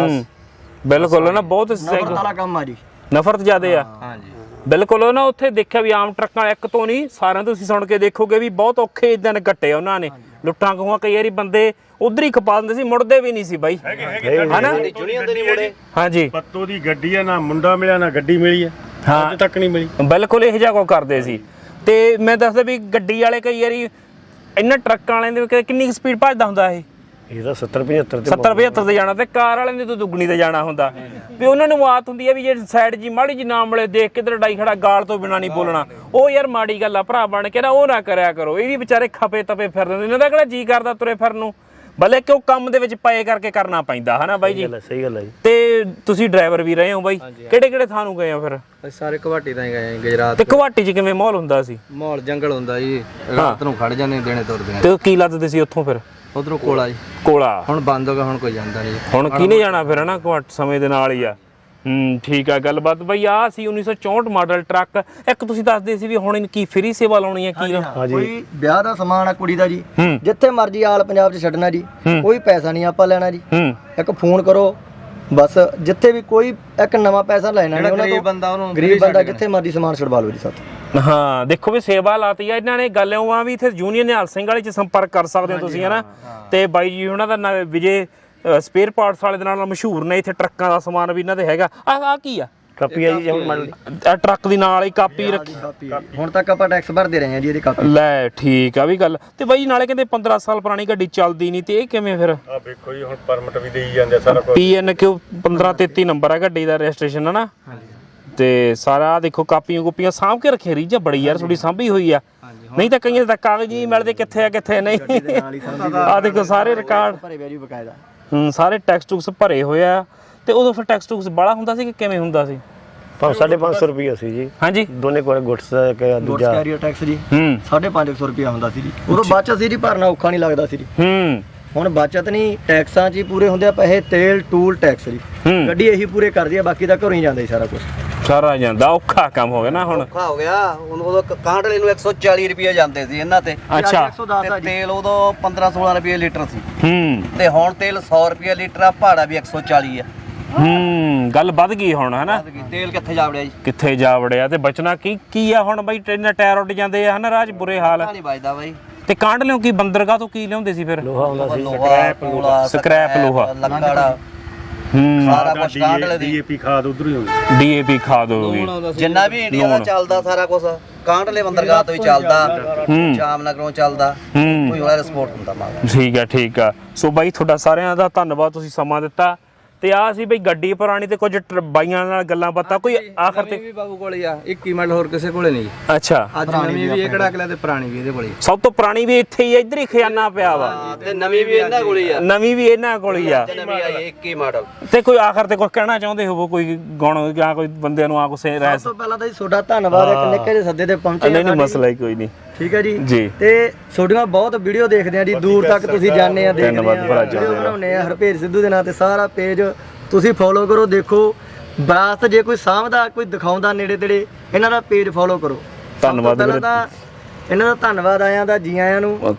ਬਿਲਕੁਲ ਨਾ, ਬਹੁਤ ਨਫ਼ਰਤ ਵਾਲਾ ਕੰਮ ਆ ਜੀ। ਨਫ਼ਰਤ ਜ਼ਿਆਦੇ ਆ। ਹਾਂਜੀ ਬਿਲਕੁਲ ਨਾ। ਉੱਥੇ ਦੇਖਿਆ ਵੀ ਆਮ ਟਰੱਕਾਂ ਇੱਕ ਤੋਂ ਨਹੀਂ, ਸਾਰਿਆਂ ਤੋਂ ਤੁਸੀਂ ਸੁਣ ਕੇ ਦੇਖੋਗੇ ਵੀ ਬਹੁਤ ਔਖੇ ਦਿਨ ਕੱਟੇ ਉਹਨਾਂ ਨੇ। ਲੁੱਟਾਂ ਖੋਹਾਂ ਕਈ ਵਾਰੀ ਬੰਦੇ ਉਧਰ ਹੀ ਖਪਾ ਦਿੰਦੇ ਸੀ, ਮੁੜਦੇ ਵੀ ਨਹੀਂ ਸੀ ਬਾਈ ਹਨਾ। ਹਾਂਜੀ ਪੱਤੋ ਦੀ ਗੱਡੀ ਆ, ਨਾ ਮੁੰਡਾ ਮਿਲਿਆ ਨਾ ਗੱਡੀ ਮਿਲੀ ਆ, ਅੱਜ ਤੱਕ ਨਹੀਂ ਮਿਲੀ। ਬਿਲਕੁਲ ਇਹੋ ਜਿਹਾ ਕੋ ਕਰਦੇ ਸੀ। ਤੇ ਮੈਂ ਦੱਸਦਾ ਵੀ ਗੱਡੀ ਵਾਲੇ ਕਈ ਵਾਰੀ ਇਹਨਾਂ ਟਰੱਕਾਂ ਵਾਲਿਆਂ ਦੇ ਕਿੰਨੀ ਸਪੀਡ ਭੱਜਦਾ ਹੁੰਦਾ ਇਹ ਇਹਦਾ 70-75 ਤੇ 70-75 ਤੇ ਜਾਣਾ, ਤੇ ਕਾਰ ਵਾਲਿਆਂ ਦੇ ਤੋਂ ਦੁੱਗਣੀ ਤੇ ਜਾਣਾ ਹੁੰਦਾ। ਵੀ ਉਹਨਾਂ ਨੂੰ ਆਦਤ ਹੁੰਦੀ ਹੈ ਵੀ ਜੇ ਸਾਈਡ ਜੀ ਮਾੜੀ ਜੀ ਨਾ ਮਿਲੇ, ਦੇਖ ਕਿਧਰ ਡਾਈ ਖੜਾ, ਗਾਲ ਤੋਂ ਬਿਨਾ ਨਹੀਂ ਬੋਲਣਾ। ਉਹ ਯਾਰ ਮਾੜੀ ਗੱਲ ਆ ਭਰਾ ਬਣ ਕੇ ਨਾ, ਉਹ ਨਾ ਕਰਿਆ ਕਰੋ। ਇਹ ਵੀ ਵਿਚਾਰੇ ਖਪੇ ਤਪੇ ਫਿਰਦੇ, ਇਹਨਾਂ ਦਾ ਕਿਹੜਾ ਜੀ ਕਰਦਾ ਤੁਰੇ ਫਿਰਨ ਨੂੰ, ਭਲੇ ਕਿ ਉਹ ਕੰਮ ਦੇ ਵਿੱਚ ਪਏ ਕਰਕੇ ਕਰਨਾ ਪੈਂਦਾ ਹਨਾ ਬਾਈ ਜੀ। ਸਹੀ ਗੱਲ ਹੈ ਜੀ। ਤੇ ਤੁਸੀਂ ਡਰਾਈਵਰ ਵੀ ਰਹੇ ਹੋ ਬਾਈ, ਕਿਹੜੇ ਕਿਹੜੇ ਥਾਂ ਨੂੰ ਗਏ ਹੋ ਫਿਰ? ਅਸੀਂ ਸਾਰੇ ਘਵਾਟੀ ਤਾਂ ਹੀ ਗਏ ਆ ਗੁਜਰਾਤ। ਤੇ ਘਵਾਟੀ 'ਚ ਕਿਵੇਂ ਮਾਹੌਲ ਹੁੰਦਾ ਸੀ? ਮਾਹੌਲ ਜੰਗਲ ਹੁੰਦਾ ਜੀ, ਰਾਤ ਨੂੰ ਖੜ ਜਾਂਦੇ, ਦਿਨੇ ਤੁਰਦੇ। ਤੇ ਕੀ ਲੱਦਦੇ ਸੀ ਉੱਥੋਂ ਫਿਰ? ਉਧਰੋਂ ਕੋਲਾ ਜੀ। ਕੋਲਾ ਹੁਣ ਬੰਦ ਹੋ ਗਿਆ, ਹੁਣ ਕੋਈ ਜਾਂਦਾ ਨਹੀਂ। ਹੁਣ ਕਿਹਨੇ ਜਾਣਾ ਫਿਰ ਹਨਾ, ਘੱਟ ਸਮੇਂ ਦੇ ਨਾਲ ਹੀ ਆ। ਠੀਕ ਆ ਗੱਲਬਾਤ ਬਾਈ। ਆ ਸੀ 1964 ਮਾਡਲ ਟਰੱਕ। ਇੱਕ ਤੁਸੀਂ ਦੱਸਦੇ ਸੀ ਵੀ ਹੁਣ ਕੀ ਫ੍ਰੀ ਸੇਵਾ ਲਾਉਣੀ ਹੈ ਕੀ? ਕੋਈ ਵਿਆਹ ਦਾ ਸਮਾਨ ਆ ਕੁੜੀ ਦਾ ਜੀ, ਜਿੱਥੇ ਮਰਜ਼ੀ ਆਲ ਪੰਜਾਬ 'ਚ ਛੱਡਣਾ ਜੀ, ਕੋਈ ਪੈਸਾ ਨਹੀਂ ਆਪਾਂ ਲੈਣਾ ਜੀ। ਇੱਕ ਫੋਨ ਕਰੋ ਬਸ, ਜਿੱਥੇ ਵੀ ਕੋਈ ਇੱਕ ਨਵਾਂ ਪੈਸਾ ਲੈਣਾ ਨਹੀਂ ਉਹਨਾਂ ਤੋਂ। ਗਰੀਬ ਬੰਦਾ ਜਿੱਥੇ ਮਰਜ਼ੀ ਸਮਾਨ ਛੁਡਵਾ ਲਓ ਜੀ ਸਾਥੋਂ। ਹਾਂ ਦੇਖੋ ਵੀ ਸੇਵਾ ਲਾਤੀ ਆ ਇਹਨਾਂ ਨੇ। ਗੱਲ ਉਹ ਆ ਵੀ ਇੱਥੇ ਯੂਨੀਅਨ ਨਿਹਾਲ ਸਿੰਘ ਵਾਲੇ 'ਚ ਸੰਪਰਕ ਕਰ ਸਕਦੇ ਹੋ ਤੁਸੀਂ ਹਨਾ। ਤੇ ਬਾਈ ਜੀ ਉਹਨਾਂ ਦਾ ਵਿਜੇ ਸਪੇਅਰ ਪਾਰਟਸ ਵਾਲੇ ਦੇ ਨਾਲ ਮਸ਼ਹੂਰ ਨੇ। ਇੱਥੇ ਟਰੱਕਾਂ ਦਾ ਸਮਾਨ ਵੀ ਇਹਨਾਂ ਦੇ ਹੈਗਾ। ਆ ਕੀ ਆ? ਕਾਪੀ ਆ ਜੀ ਹੁਣ ਮੰਨ ਲਈ ਇਹ ਟਰੱਕ ਦੀ ਨਾਲ ਹੀ ਕਾਪੀ ਰੱਖੀ ਹੁਣ ਤੱਕ ਆਪਾਂ ਟੈਕਸ ਭਰਦੇ ਰਹੇ ਹਾਂ ਜੀ ਇਹਦੀ ਕਾਪੀ। ਲੈ ਠੀਕ ਆ ਵੀ ਗੱਲ। ਤੇ ਬਾਈ ਨਾਲੇ ਕਹਿੰਦੇ 15 ਸਾਲ ਪੁਰਾਣੀ ਗੱਡੀ ਚੱਲਦੀ ਨਹੀਂ, ਤੇ ਇਹ ਕਿਵੇਂ ਫਿਰ? ਆ ਵੇਖੋ ਜੀ ਹੁਣ ਪਰਮਿਟ ਵੀ ਦੇਈ ਜਾਂਦੇ ਸਾਰਾ ਕੁਝ। PNQ 1533 ਨੰਬਰ ਆ ਗੱਡੀ ਦਾ, ਰਜਿਸਟ੍ਰੇਸ਼ਨ ਹੈ ਨਾ। ਤੇ ਸਾਰਾ ਦੇਖੋ ਕਾਪੀਆਂ ਕੁਪੀਆਂ ਸਾਂਭ ਕੇ ਰੱਖੇ ਰੀਜਾ ਬੜੀ ਯਾਰ ਥੋੜੀ ਸਾਂਭੀ ਹੋਈ ਆ, ਨਹੀਂ ਤਾਂ ਕਈਆਂ ਦੇ ਤਾਂ ਕਾਗਜ਼ ਹੀ ਮਿਲਦੇ ਕਿੱਥੇ ਆ ਕਿੱਥੇ ਨਹੀਂ। ਆ ਦੇਖੋ ਸਾਰੇ ਰਿਕਾਰਡ ਭਰੇ ਪਿਆ ਜੀ ਬਕਾਇਦਾ। ਸਾਰੇ ਟੈਕਸ ਟੂਕਸ ਭਰੇ ਹੋਏ ਆ। ਤੇ ਉਦੋਂ ਫਿਰ ਟੈਕਸ ਟੂਕਸ ਬਾਲਾ ਹੁੰਦਾ ਸੀ ਕਿ ਕਿਵੇਂ ਹੁੰਦਾ ਸੀ? 550 ਰੁਪਏ ਸੀ ਜੀ ਹਾਂਜੀ ਦੋਨੇ ਕੋਲ ਗੁੱਟਸ ਗੁੱਡਸ ਦੂਜਾ ਕੈਰੀਅਰ ਟੈਕਸ ਜੀ 550 ਰੁਪਿਆ ਹੁੰਦਾ ਸੀ ਜੀ। ਉਦੋਂ ਬਚਤ ਸੀ ਜੀ, ਭਰਨਾ ਔਖਾ ਨਹੀਂ ਲੱਗਦਾ ਸੀ ਜੀ। ਹੁਣ ਬਚਤ ਨਹੀਂ, ਟੈਕਸਾਂ 'ਚ ਹੀ ਪੂਰੇ ਹੁੰਦੇ ਆ ਪੈਸੇ, ਤੇਲ ਟੂਲ ਟੈਕਸ ਜੀ। ਗੱਡੀ ਇਹੀ ਪੂਰੇ ਕਰਦੀ ਆ, ਬਾਕੀ ਤਾਂ ਘਰੋਂ ਹੀ ਜਾਂਦਾ ਜੀ ਸਾਰਾ ਕੁਝ। ਸਾਰਾ ਜਾਂਦਾ ਔਖਾ ਕੰਮ ਹੋ ਗਿਆ ਨਾ ਹੁਣ। ਔਖਾ ਹੋ ਗਿਆ ਹੁਣ। ਉਦੋਂ ਕਾਂਟਲੇ ਨੂੰ 140 ਰੁਪਏ ਜਾਂਦੇ ਸੀ ਇਹਨਾਂ ਤੇ। ਅੱਛਾ 110 ਆ ਤੇ ਜੀ। ਤੇਲ ਉਦੋਂ 15-16 ਰੁਪਏ ਲੀਟਰ ਸੀ ਹੂੰ ਤੇ ਹੁਣ ਤੇਲ 100 ਰੁਪਏ ਲੀਟਰ ਆ, ਭਾੜਾ ਵੀ 140 ਆ। ਗੱਲ ਵੱਧ ਗਈ ਹੁਣ ਹਨਾ। ਤੇਲ ਕਿੱਥੇ ਜਾ ਵੜਿਆ ਜੀ? ਕਿੱਥੇ ਜਾ ਵੜਿਆ ਤੇ ਬਚਣਾ ਕੀ ਆ ਹੁਣ ਬਾਈ? ਟ੍ਰੇਨਾਂ ਟਾਇਰ ਉੱਡ ਜਾਂਦੇ ਆ ਹਨਾ, ਰਾਹ 'ਚ ਬੁਰੇ ਹਾਲ। ਨਹੀਂ ਵੱਜਦਾ ਬਾਈ। ਤੇ ਕਾਂਡ ਲਿਓ ਕੀ ਬੰਦਰਗਾਹ ਤੋਂ ਕੀ ਲਿਆਉਂਦੇ ਸੀ ਫਿਰ? ਲੋਹਾ ਹੁੰਦਾ ਸੀ, ਸਕ੍ਰੈਪ ਲੋਹਾ, ਲੱਕੜ, ਸਾਰਾ ਕੁਝ ਕਾਂਟਲੇ ਦੀ। ਡੀਏਪੀ ਖਾਦ ਉਧਰ ਹੀ ਹੁੰਦੀ। DAP ਖਾਦ ਹੋ ਗਈ। ਜਿੰਨਾ ਵੀ ਇੰਡੀਆ ਦਾ ਚੱਲਦਾ ਸਾਰਾ ਕੁਝ ਕਾਂਟਲੇ ਬੰਦਰਗਾਹ ਤੋਂ ਹੀ ਚੱਲਦਾ, ਜਾਮਨਗਰੋਂ ਚੱਲਦਾ, ਕੋਈ ਹੋਰ ਸਪੋਰਟ ਹੁੰਦਾ ਮਾਗਾ। ਠੀਕ ਆ। ਸੋ ਬਾਈ ਤੁਹਾਡਾ ਸਾਰਿਆਂ ਦਾ ਧੰਨਵਾਦ, ਤੁਸੀਂ ਸਮਾਂ ਦਿੱਤਾ। ਤੇ ਆ ਸੀ ਬਈ ਗੱਡੀ ਪੁਰਾਣੀ ਤੇ ਕੁਝ ਬਾਈਆਂ ਨਾਲ ਗੱਲਾਂ ਬਾਤਾਂ। ਕੋਈ ਆਖਰ ਤੇ ਵੀ ਬਾਬੂ ਕੋਲ ਹੀ ਆ 21 ਮਿੰਟ, ਹੋਰ ਕਿਸੇ ਕੋਲੇ ਨਹੀਂ। ਅੱਛਾ ਅੱਜ ਨਵੀਂ ਵੀ ਇਹ ਕਿਹੜਾ ਅਗਲਾ ਤੇ ਪੁਰਾਣੀ ਵੀ ਇਹਦੇ ਕੋਲੇ। ਸਭ ਤੋਂ ਪੁਰਾਣੀ ਵੀ ਇੱਥੇ ਹੀ ਆ, ਇੱਧਰ ਹੀ ਖਜ਼ਾਨਾ ਪਿਆ ਵਾ। ਤੇ ਨਵੀਂ ਵੀ ਇਹਨਾਂ ਕੋਲ ਹੀ ਆ। ਨਵੀਂ ਵੀ ਇਹਨਾਂ ਕੋਲ ਹੀ ਆ। ਨਵੀਂ ਆਈ 21 ਮਾਡਲ। ਤੇ ਕੋਈ ਆਖਰ ਤੇ ਕੁਝ ਕਹਿਣਾ ਚਾਹੁੰਦੇ ਹੋਵੋ, ਕੋਈ ਗੁਣ ਜਾਂ ਕੋਈ ਬੰਦਿਆਂ ਨੂੰ ਆ ਕੁਛ ਰਹਿ? ਸਭ ਤੋਂ ਪਹਿਲਾਂ ਤਾਂ ਜੀ ਤੁਹਾਡਾ ਧੰਨਵਾਦ, ਇੱਕ ਨਿੱਕੇ ਜਿਹੇ ਸੱਦੇ ਤੇ ਪਹੁੰਚੇ। ਨਹੀਂ ਮਸਲਾ ਹੀ ਕੋਈ ਨਹੀਂ। ਠੀਕ ਹੈ ਜੀ। ਜੀ। ਤੇ ਤੁਹਾਡੀਆਂ ਬਹੁਤ ਵੀਡੀਓ ਦੇਖਦੇ ਆ ਜੀ, ਦੂਰ ਤੱਕ ਤੁਸੀਂ ਜਾਂਦੇ ਆ, ਦੇਖਦੇ ਧੰਨਵਾਦ ਭਰਾ ਆ, ਜੀ। ਵੀਡੀਓ ਬਣਾਉਂਦੇ ਆ ਹਰਪੇਰ ਸਿੱਧੂ ਦੇ ਨਾਂ ਤੇ। ਸਾਰਾ ਪੇਜ ਤੁਸੀਂ ਫੋਲੋ ਕਰੋ, ਦੇਖੋ ਬਰਾਸਤ ਜੇ ਕੋਈ ਸਾਂਭਦਾ, ਕੋਈ ਦਿਖਾਉਂਦਾ ਨੇੜੇ ਤੇੜੇ, ਇਹਨਾਂ ਦਾ ਪੇਜ ਫੋਲੋ ਕਰੋ। ਧੰਨਵਾਦ ਪਹਿਲਾਂ ਤਾਂ ਇਹਨਾਂ ਦਾ ਧੰਨਵਾਦ ਆਇਆਂ ਦਾ, ਜੀ ਆਇਆਂ ਨੂੰ।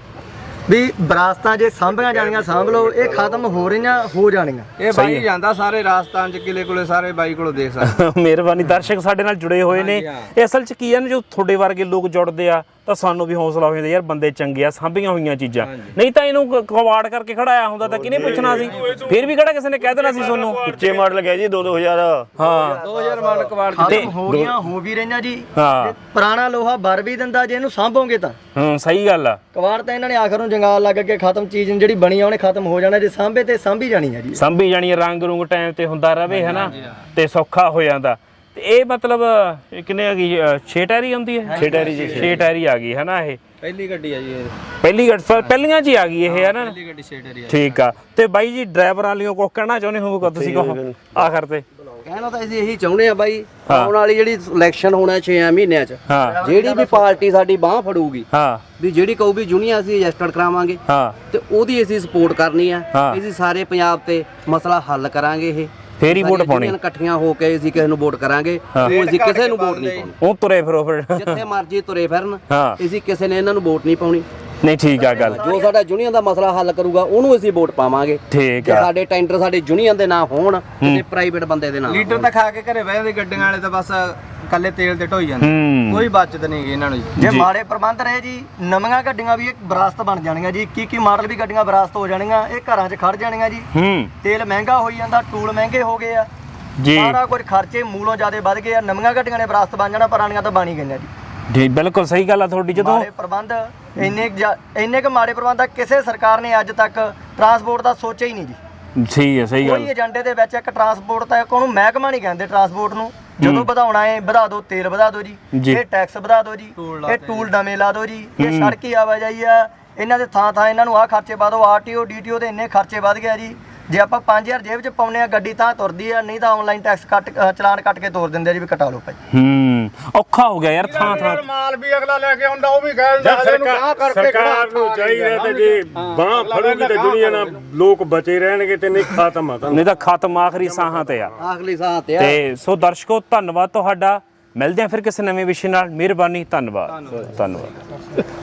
ਵੀ ਵਿਰਾਸਤਾਂ ਜੇ ਸਾਂਭੀਆਂ ਜਾਣੀਆਂ ਸਾਂਭ ਲਓ, ਇਹ ਖਤਮ ਹੋ ਰਹੀਆਂ, ਹੋ ਜਾਣੀਆਂ। ਇਹ ਬਾਈ ਜਾਂਦਾ ਸਾਰੇ ਰਾਜਸਥਾਨ ਚ ਕਿਲੇ ਕੋਲੇ, ਸਾਰੇ ਬਾਈ ਕੋਲੋਂ ਦੇਖ ਸਕਦੇ। ਮਿਹਰਬਾਨੀ। ਦਰਸ਼ਕ ਸਾਡੇ ਨਾਲ ਜੁੜੇ ਹੋਏ ਨੇ। ਇਹ ਅਸਲ 'ਚ ਕੀ ਹੈ ਨਾ, ਜੋ ਤੁਹਾਡੇ ਵਰਗੇ ਲੋਕ ਜੁੜਦੇ ਆ ਤਾਂ ਸਾਨੂੰ ਵੀ ਹੌਸਲਾ ਹੋ ਜਾਂਦਾ ਯਾਰ, ਬੰਦੇ ਚੰਗੇ ਆ, ਸਾਂਭੀਆਂ ਹੋਈਆਂ ਚੀਜ਼ਾਂ। ਨਹੀਂ ਤਾਂ ਇਹਨੂੰ ਕਵਾੜ ਕਰਕੇ ਖੜਾਇਆ ਹੁੰਦਾ ਤਾਂ ਕਿਹਨੇ ਪੁੱਛਣਾ ਸੀ? ਫਿਰ ਵੀ ਕਿਹੜਾ ਕਿਸੇ ਨੇ ਕਹਿ ਦੇਣਾ ਸੀ ਤੁਹਾਨੂੰ? ਉੱਚੇ ਮਾਡਲ ਗਿਆ ਜੀ 2000 ਹਾਂ 2000 ਮਾਡਲ ਕਵਾੜ ਖਤਮ ਹੋ ਗਈਆਂ, ਹੋ ਵੀ ਰਹੀਆਂ ਜੀ। ਹਾਂ ਪੁਰਾਣਾ ਲੋਹਾ ਬਰ ਵੀ ਦਿੰਦਾ ਜੇ ਇਹਨੂੰ ਸਾਂਭੋਗੇ ਤਾਂ। ਸਹੀ ਗੱਲ ਆ। ਕਵਾੜ ਤਾਂ ਇਹਨਾਂ ਨੇ ਆਖਰ ਨੂੰ ਜੰਗਾਲ ਲੱਗ ਕੇ ਖਤਮ, ਚੀਜ਼ ਜਿਹੜੀ ਬਣੀ ਆ ਉਹਨੇ ਖਤਮ ਹੋ ਜਾਣਾ, ਜੇ ਸਾਂਭੇ ਤੇ ਸਾਂਭੀ ਜਾਣੀ ਆ ਜੀ। ਸਾਂਭੀ ਜਾਣੀ, ਰੰਗ ਰੁੰਗ ਟਾਈਮ ਤੇ ਹੁੰਦਾ ਰਵੇ ਹਨਾ, ਤੇ ਸੌਖਾ ਹੋ ਜਾਂਦਾ। ਤੇ ਇਹ ਮਤਲਬ ਇਹ ਕਿੰਨੇ ਆ ਗਈ? 6 ਟਾਇਰੀ ਆਉਂਦੀ ਹੈ? 6 ਟਾਇਰੀ ਜੀ, 6 ਟਾਇਰੀ ਆ ਗਈ ਹਨਾ। ਇਹ ਪਹਿਲੀ ਗੱਡੀ ਆ ਜੀ ਇਹ। ਪਹਿਲੀ ਗੱਡੀ ਪਹਿਲੀਆਂ 'ਚ ਹੀ ਆ ਗਈ ਇਹ ਹਨਾ। ਪਹਿਲੀ ਗੱਡੀ 6 ਟਰੀ ਆ। ਠੀਕ ਆ। ਤੇ ਬਾਈ ਜੀ ਡਰਾਈਵਰਾਂ ਵਾਲਿਓ ਕੁਝ ਕਹਿਣਾ ਚਾਹੁੰਦੇ ਹੋਵੋਗੇ ਤੁਸੀਂ? ਕਹੋ ਆਖਰ ਤੇ। ਕਹਿਣਾ ਤਾਂ ਅਸੀਂ ਇਹੀ ਚਾਹੁੰਦੇ ਆ ਬਾਈ, ਆਉਣ ਵਾਲੀ ਜਿਹੜੀ ਇਲੈਕਸ਼ਨ ਹੋਣਾ 6 ਮਹੀਨਿਆਂ ਚ, ਹਾਂ ਜਿਹੜੀ ਵੀ ਪਾਰਟੀ ਸਾਡੀ ਬਾਹ ਫੜੂਗੀ, ਹਾਂ ਵੀ ਜਿਹੜੀ ਕਹੂ ਵੀ ਜੁਨੀਅਰ ਅਸੀਂ ਰਜਿਸਟਰਡ ਕਰਾਵਾਂਗੇ, ਹਾਂ ਤੇ ਉਹਦੀ ਅਸੀਂ ਸਪੋਰਟ ਕਰਨੀ ਆ। ਹਾਂ। ਅਸੀਂ ਸਾਰੇ ਪੰਜਾਬ ਤੇ ਮਸਲਾ ਹੱਲ ਕਰਾਂਗੇ। ਇਹ ਫੇਰ ਹੀ ਵੋਟ ਪਾਉਣੀ। ਇਕੱਠੀਆਂ ਹੋ ਕੇ ਅਸੀਂ ਕਿਸੇ ਨੂੰ ਵੋਟ ਕਰਾਂਗੇ, ਉਹ ਅਸੀਂ ਕਿਸੇ ਨੂੰ ਵੋਟ ਨਹੀਂ ਪਾਉਣੀ। ਉਹ ਤੁਰੇ ਫਿਰੋ ਫਿਰ। ਜਿੱਥੇ ਮਰਜ਼ੀ ਤੁਰੇ ਫਿਰਨ, ਹਾਂ ਅਸੀਂ ਕਿਸੇ ਨੇ ਇਹਨਾਂ ਨੂੰ ਵੋਟ ਨਹੀਂ ਪਾਉਣੀ। ਨਹੀਂ ਠੀਕ ਆ ਗੱਲ। ਜੋ ਸਾਡਾ ਯੂਨੀਅਨ ਦਾ ਮਸਲਾ ਹੱਲ ਕਰੂਗਾ ਉਹਨੂੰ ਅਸੀਂ ਵੋਟ ਪਾਵਾਂਗੇ। ਠੀਕ ਜੇ ਆ। ਸਾਡੇ ਟੈਂਡਰ ਸਾਡੇ ਯੂਨੀਅਨ ਦੇ ਨਾਂ ਹੋਣ ਤੇ ਪ੍ਰਾਈਵੇਟ ਬੰਦੇ ਦੇ ਨਾਂ। ਲੀਟਰ ਤਾਂ ਖਾ ਕੇ ਘਰੇ ਬਹਿ ਜਾਂਦੇ ਗੱਡੀਆਂ ਵਾਲੇ, ਤਾਂ ਬਸ ਕੱਲੇ ਤੇਲ ਤੇ ਢੋਈ ਜਾਂਦੇ, ਕੋਈ ਬਚਤ ਨਹੀਂ ਗਈ ਇਹਨਾਂ ਨੂੰ ਜੀ। ਜੇ ਮਾੜੇ ਪ੍ਰਬੰਧ ਰਹੇ ਜੀ, ਨਵੀਆਂ ਗੱਡੀਆਂ ਵੀ ਇੱਕ ਵਿਰਾਸਤ ਬਣ ਜਾਣੀਆਂ ਜੀ। ਕੀ ਮਾਡਲ ਵੀ ਗੱਡੀਆਂ ਵਿਰਾਸਤ ਹੋ ਜਾਣੀਆਂ, ਇਹ ਘਰਾਂ 'ਚ ਖੜ ਜਾਣੀਆਂ ਜੀ। ਤੇਲ ਮਹਿੰਗਾ ਹੋਈ ਜਾਂਦਾ, ਟੂਲ ਮਹਿੰਗੇ ਹੋ ਗਏ ਆ ਜੀ, ਸਾਰਾ ਕੁਝ ਖਰਚੇ ਮੂਲੋਂ ਜ਼ਿਆਦਾ ਵੱਧ ਗਏ ਆ। ਨਵੀਆਂ ਗੱਡੀਆਂ ਨੇ ਵਿਰਾਸਤ ਬਣ ਜਾਣਾ, ਪੁਰਾਣੀਆਂ ਤਾਂ ਬਣ ਹੀ ਗਈਆਂ ਜੀ। ਜੀ ਬਿਲਕੁਲ ਸਹੀ ਗੱਲ ਆ ਤੁਹਾਡੀ। ਜਦੋਂ ਮਾੜੇ ਪ੍ਰਬੰਧ ਇੰਨੇ ਕੁ ਮਾੜੇ ਪ੍ਰਬੰਧ ਆ, ਕਿਸੇ ਸਰਕਾਰ ਨੇ ਅੱਜ ਤੱਕ ਟਰਾਂਸਪੋਰਟ ਦਾ ਸੋਚਿਆ ਹੀ ਨਹੀਂ ਜੀ। ਸਹੀ ਹੈ, ਸਹੀ ਗੱਲ। ਕੋਈ ਏਜੰਡੇ ਦੇ ਵਿੱਚ ਇੱਕ ਟਰਾਂਸਪੋਰਟ ਤਾਂ ਉਹਨੂੰ ਮਹਿਕਮਾ ਨਹੀਂ ਕਹਿੰਦੇ ਟਰਾਂਸਪੋਰਟ ਨੂੰ। ਜਦੋਂ ਵਧਾਉਣਾ ਹੈ ਵਧਾ ਦਿਓ, ਤੇਲ ਵਧਾ ਦਿਓ ਜੀ, ਇਹ ਟੈਕਸ ਵਧਾ ਦਿਓ ਜੀ, ਇਹ ਟੂਲ ਨਵੇਂ ਲਾ ਦਿਓ ਜੀ, ਇਹ ਸੜਕੀ ਆਵਾਜਾਈ ਆ, ਇਹਨਾਂ ਦੇ ਥਾਂ ਇਹਨਾਂ ਨੂੰ ਆਹ ਖਰਚੇ ਪਾ ਦਿਓ, ਆਰਟੀਓ ਡੀਟੀਓ ਦੇ ਇੰਨੇ ਖਰਚੇ ਵੱਧ ਗਿਆ ਜੀ। ਜੇ ਆਪਾਂ 5000 ਜੇਬ 'ਚ ਪਾਉਨੇ ਆ, ਗੱਡੀ ਤਾਂ ਤੁਰਦੀ ਆ, ਨਹੀਂ ਤਾਂ ਆਨਲਾਈਨ ਟੈਕਸ ਚਲਾਨ ਕੱਟ ਕੇ ਤੋਰ ਦਿੰਦੇ ਆ ਜੀ, ਵੀ ਕਟਾ ਲਓ ਭਾਈ। ਔਖਾ ਹੋ ਗਿਆ ਯਾਰ ਥਾਂ ਥਾਂ। ਮਾਲ ਵੀ ਅਗਲਾ ਲੈ ਕੇ ਆਉਂਦਾ, ਉਹ ਵੀ ਕਹਿੰਦਾ ਸਰਕਾਰ ਨੂੰ ਚਾਹੀਦਾ ਤੇ ਜੇ ਬਾਹ ਫੜੂਗੀ ਤੇ ਦੁਨੀਆ ਨਾਲ ਲੋਕ ਬਚੇ ਰਹਿਣਗੇ, ਤੇ ਨਹੀਂ ਖਤਮ ਆ। ਨਹੀਂ ਤਾਂ ਖਤਮ ਆਖਰੀ ਸਾਹਾਂ ਤੇ ਆ। ਆਖਰੀ ਸਾਹ ਤੇ ਆ। ਤੇ ਸੋ ਦਰਸ਼ਕੋ ਧੰਨਵਾਦ ਤੁਹਾਡਾ। ਮਿਲਦੇ ਆ ਫਿਰ ਕਿਸੇ ਨਵੇਂ ਵਿਸ਼ੇ ਨਾਲ। ਮਿਹਰਬਾਨੀ, ਧੰਨਵਾਦ।